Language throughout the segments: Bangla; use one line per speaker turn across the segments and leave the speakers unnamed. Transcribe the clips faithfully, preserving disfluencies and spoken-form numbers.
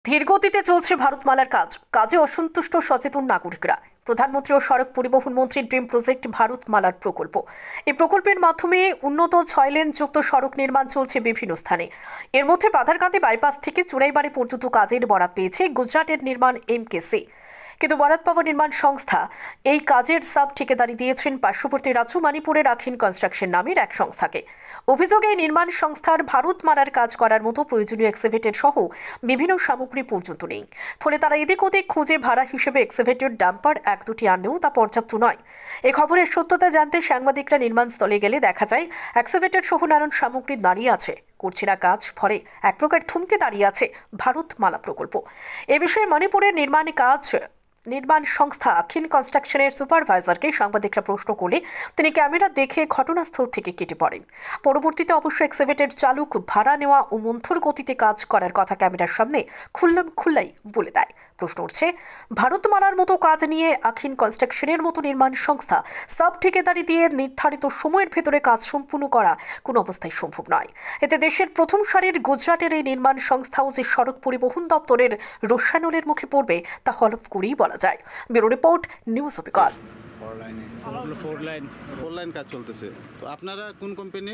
ধীরগতিতে চলছে ভারতমালার কাজ কাজে অসন্তুষ্ট সচেতন নাগরিকরা। প্রধানমন্ত্রী ও সড়ক পরিবহন মন্ত্রীর ড্রিম প্রজেক্ট ভারতমালার প্রকল্প। এই প্রকল্পের মাধ্যমে উন্নত ছয় লেন যুক্ত সড়ক নির্মাণ চলছে বিভিন্ন স্থানে। এর মধ্যে পাথারকান্দি বাইপাস থেকে চুড়াইবাড়ি পর্যন্ত কাজের বরাত পেয়েছে গুজরাটের নির্মাণ এমকেসি। কিন্তু বরাত পাওয়া নির্মাণ সংস্থা এই কাজের সাব ঠিকাদারি দিয়েছেন পার্শ্ববর্তী রাজ্য মণিপুরের আখিন কনস্ট্রাকশন নামের এক সংস্থাকে। অভিযোগে এই নির্মাণ সংস্থার ভারতমালার কাজ করার মতো প্রয়োজনীয় এক্সিভেটর সহ বিভিন্ন সামগ্রী পর্যন্ত নেই। ফলে তারা এদিক ওদিক খুঁজে ভাড়া হিসেবে এক্সিভেটর ডাম্পার এক দুটি আনলেও তা পর্যাপ্ত নয়। এ খবরের সত্যতা জানতে সাংবাদিকরা নির্মাণস্থলে গেলে দেখা যায় এক্সিভেটর সহ নানান সামগ্রী দাঁড়িয়ে আছে, করছে না কাজ। ফলে এক প্রকার থমকে দাঁড়িয়ে আছে ভারতমালা প্রকল্প। এ বিষয়ে মণিপুরের নির্মাণ কাজ নির্মাণ সংস্থা আখিন কনস্ট্রাকশনের সুপারভাইজারকে সাংবাদিকরা প্রশ্ন করলে তিনি ক্যামেরা দেখে ঘটনাস্থল থেকে কেটে পড়েন। পরবর্তীতে অবশ্য এক্সিভেটর চালক ভাড়া নেওয়া ও মন্থর গতিতে কাজ করার কথা ক্যামেরার সামনে খুল্লাম খুল্লাই বলে দেয়। প্রশ্ন উঠছে, ভারতমালার মতো কাজ নিয়ে আখিন কনস্ট্রাকশনের মতো নির্মাণ সংস্থা সাব ঠিকাদারি দিয়ে নির্ধারিত সময়ের ভেতরে কাজ সম্পূর্ণ করা কোনো অবস্থায় সম্ভব নয়। এতে দেশের প্রথম সারির গুজরাটের এই নির্মাণ সংস্থাও যে সড়ক পরিবহন দপ্তরের রসায়নের মুখে পড়বে তা হলফ করেই বলা যায়। ব্যুরো রিপোর্ট, নিউজ অবিকল।
ফোর লাইনে
ফোর লাইন
ফোর লাইন কাজ চলতেছে। তো আপনারা কোন কোম্পানির?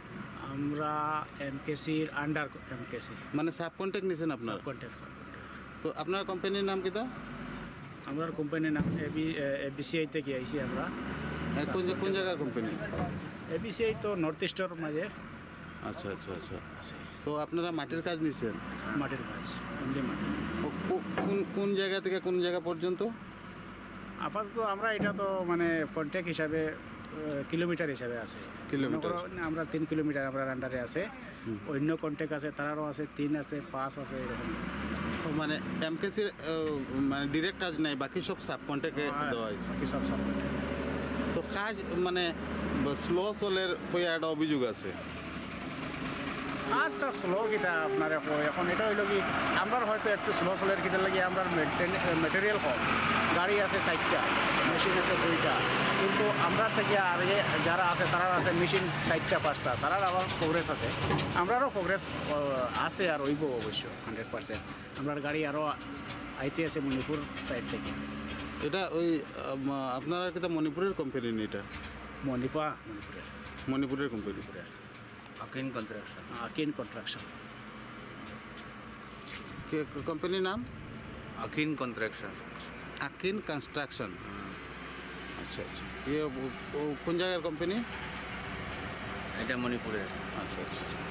আমরা এমকেসির আন্ডার এমকেসি
মানে সাব কন্ট্রাক্ট নিছেন আপনারা?
কন্ট্যাক্ট।
তো আপনার কোম্পানির নাম কিটা?
আমরা কোম্পানির নাম এবি এবিসিআই থেকে আইছি আমরা।
হ্যাঁ, কোন কোন জায়গার কোম্পানি?
এবিসিআই তো নর্থ ইস্টের মাঝে
আচ্ছা আচ্ছা আচ্ছা।
আছে।
তো আপনারা মাটির কাজ নিছেন?
মাটির কাজ, অনলি মাটি।
ও কো- কোন কোন জায়গা থেকে কোন জায়গা পর্যন্ত?
আপাতত আমরা এটা তো মানে কন্ট্যাক্ট হিসাবে কিলোমিটার হিসাবে আছে।
কিলোমিটার।
মনে করো আমরা তিন কিলোমিটার আমরা আন্ডারে আছে। অন্য কন্ট্যাক্ট আছে, তারারও আছে, তিন আছে, পাঁচ আছে, এরকম।
ও মানে এমকেসির মানে ডিরেক্ট কাজ নাই, বাকি সব সাব কন্ট্রাক্টে দেওয়া হয়েছে।
বাকি সব সব
তো কাজ মানে স্লো চলের হয়ে একটা অভিযোগ আছে।
আচ্ছা, স্লো কিটা আপনার এখন এখন এটা হইল কি আমরা হয়তো একটু স্লো চলের কিটা লাগে আমরা মেটেরিয়াল কম, গাড়ি আছে চারটা, মেশিন আছে দুইটা, কিন্তু আমরা থেকে আর যে যারা আছে তারা আছে মেশিন চারটা পাঁচটা, তারার আবার প্রোগ্রেস আছে, আমরারও প্রোগ্রেস আছে আর হইব অবশ্য হান্ড্রেড পার্সেন্ট। আমরা গাড়ি আরও আইতে আছে মণিপুর সাইড থেকে।
এটা ওই আম, আপনারা কিটা মণিপুরের কোম্পানি নি? এটা
মণিপা মণিপুরের
মণিপুরের company.
Akin construction.
Akin construction.
কোম্পানির নাম
আকিন কনস্ট্রাকশন।
আকিন কনস্ট্রাকশন। আচ্ছা আচ্ছা। ইয়ে ও- ও কোন জায়গার কোম্পানি?
এটা মণিপুরের।
আচ্ছা আচ্ছা।